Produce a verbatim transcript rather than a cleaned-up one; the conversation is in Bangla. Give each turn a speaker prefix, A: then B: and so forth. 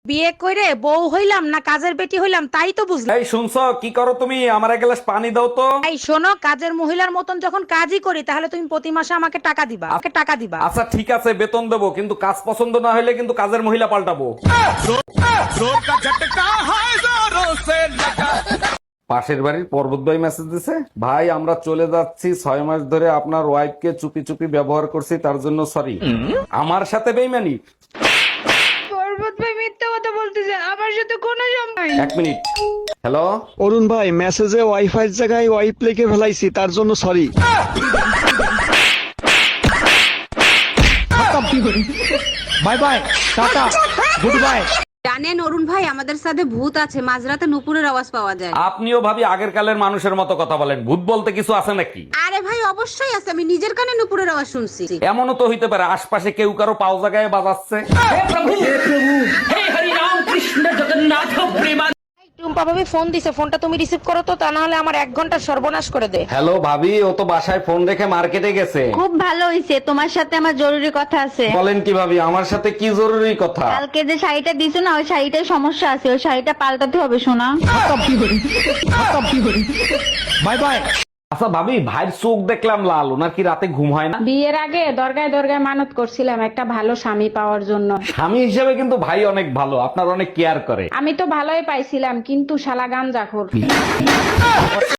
A: বিয়ে করে বউ হইলাম না কাজের বেটি হইলাম তাই তো বুঝলাম।
B: এই শুনছো কি করো তুমি? আমার এক গ্লাস পানি দাও তো।
A: এই শোনো, কাজের মহিলার মতন যখন কাজই করি তাহলে তুমি প্রতি মাসে আমাকে টাকা দিবা, আমাকে টাকা দিবা।
B: আচ্ছা ঠিক আছে, বেতন দেবো, কিন্তু কাজ পছন্দ না হলে কিন্তু কাজের মহিলা পাল্টাবো। পাশের বাড়ির পর্বত ভাই মেসেজ দিছে, ভাই আমরা চলে যাচ্ছি, ছয় মাস ধরে আপনার ওয়াইফ কে চুপি চুপি ব্যবহার করছি, তার জন্য সরি। আমার সাথে বেইমানি?
A: পর্বত ভাই মিথ্যা কথা বলতেছে, আমার সাথে কোনো সম্পর্ক।
B: এক মিনিট। হ্যালো,
C: অরুণ ভাই, মেসেজে ওয়াইফাই জায়গায় ওয়াইপ লিখে ফেলাইছি, তার জন্য sorry.
D: Bye bye, tata, good bye.
E: জানেন অরুণ ভাই, আমাদের সাথে ভূত আছে, মাঝরাতে নুপুরের আওয়াজ পাওয়া যায়।
B: আপনিও ভাবি আগের কালের মানুষের মতো কথা বলেন, ভূত বলতে কিছু আছে নাকি?
E: আরে ভাই অবশ্যই আছে, আমি নিজের কানে নুপুরের আওয়াজ শুনছি।
B: এমনও তো হইতে পারে আশপাশে কেউ কারো পাও জায়গায় বাজাচ্ছে।
A: টুম্পা ভাবি ফোন দিছে, ফোনটা তুমি রিসিভ করো তো, তা না হলে আমার এক ঘন্টা সর্বনাশ করে দে।
B: হ্যালো ভাবি, ও তো বাসায় ফোন রেখে মার্কেটে গেছে।
F: খুব ভালো হইছে, তোমার সাথে আমার জরুরি কথা আছে।
B: বলেন কি ভাবি, আমার সাথে কি জরুরি কথা?
F: কালকে যে শাড়িটা দিছো না, ওই শাড়িটার সমস্যা আছে, ওই শাড়িটা পাল্টাতে হবে সোনা।
D: Bye bye.
B: আচ্ছা ভাবি, ভাইয়ের চোখ দেখলাম লাল, ওনার কি রাতে ঘুম হয় না?
G: বিয়ের আগে দরগায় দরগায় মানত করছিলাম একটা ভালো স্বামী পাওয়ার জন্য।
B: স্বামী হিসেবে কিন্তু ভাই অনেক ভালো, আপনার অনেক কেয়ার করে।
G: আমি তো ভালোই পাইছিলাম, কিন্তু শালা গাঞ্জাখোর।